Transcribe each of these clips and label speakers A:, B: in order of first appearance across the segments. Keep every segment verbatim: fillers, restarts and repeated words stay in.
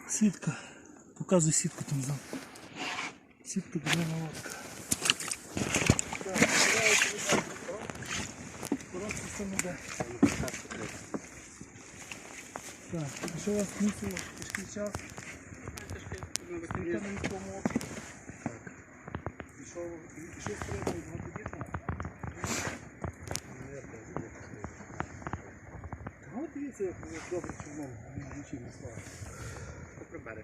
A: Сітка. Показуй сітку там зам. Сітка буде молотка. Так, сюди. Коротко це не йде. Так, що у вас мусило? Тяжкий час? Сітка на міському опці. Так. Пішов, пішов стрілку і двадцять. Ну от дивіться, як добре човном нічим не слава. Попри берег.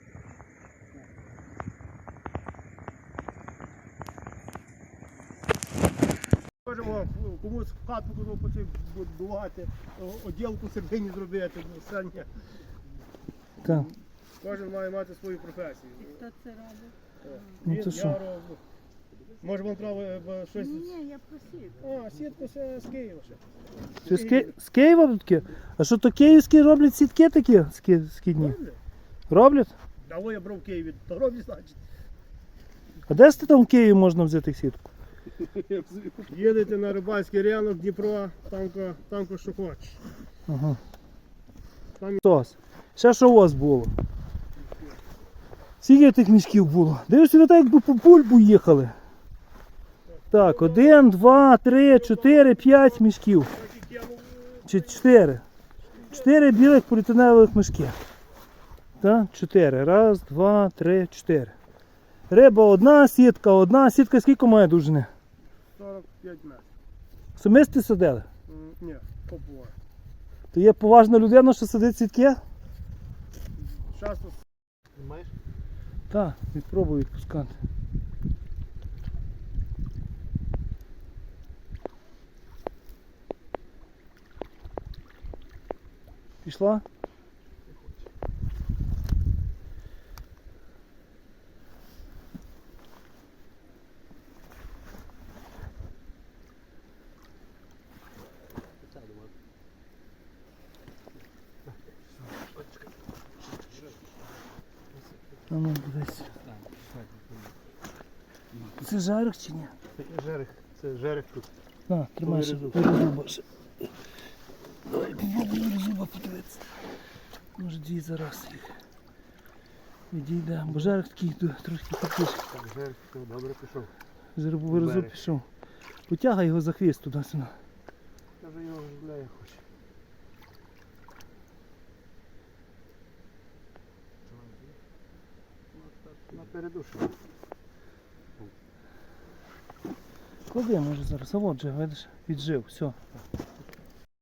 B: Можемо комусь в хату будувати, оділку середині зробити, сання.
A: Так.
B: Кожен має мати свою професію.
C: І хто це робить?
A: Ну,
B: Він,
A: то що?
B: я роблю. Може вам треба щось...
C: Ні, я просив.
B: А, сітку це з Києва ще.
A: Чи з, Ки... з Києва такі? А що то київські роблять сітки такі ски- скидні?
B: Роблять?
A: Роблять?
B: А во я брав в Києві, то роблять, значить.
A: А де ж там в Києві можна взяти сітку?
B: Їдете на рибальський ринок Дніпро, там, там що хочеш.
A: Ага.
B: Там-
A: Сос. Ще що у вас було? Скільки тих мішків було? Дивишся, ви так якби по бульбу їхали. Так, один, два, три, чотири, п'ять мішків. Чи чотири. Чотири білих поліетиленових мішки. Так, чотири. Раз, два, три, чотири. Риба одна, сітка одна. Сітка скільки має довжини?
B: сорок п'ять метрів.
A: Самисті садили?
B: М, Ні, побуває.
A: То є поважна людина, що садить сітки?
B: Часто маєш?
A: Так, відпробую відпускати. Пішла? А ну, дивись. Це жарик чи ні?
B: Жерех, це жерех тут.
A: На, тримай ще
B: Вирізу.
A: вирізуба ще. Давай попробуй вирізуба подивитися. Може дві зараз їх. Відійде, бо жарик такий ду- трохи такий.
B: Так, жерех, добре пішов.
A: Жеребу вирізу
B: Берег.
A: пішов. Потягай його за хвіст туди-сюди.
B: Я вже його гуляю хоче. На передушу.
A: Клади, може зараз, а от же, видиш, віджив, все.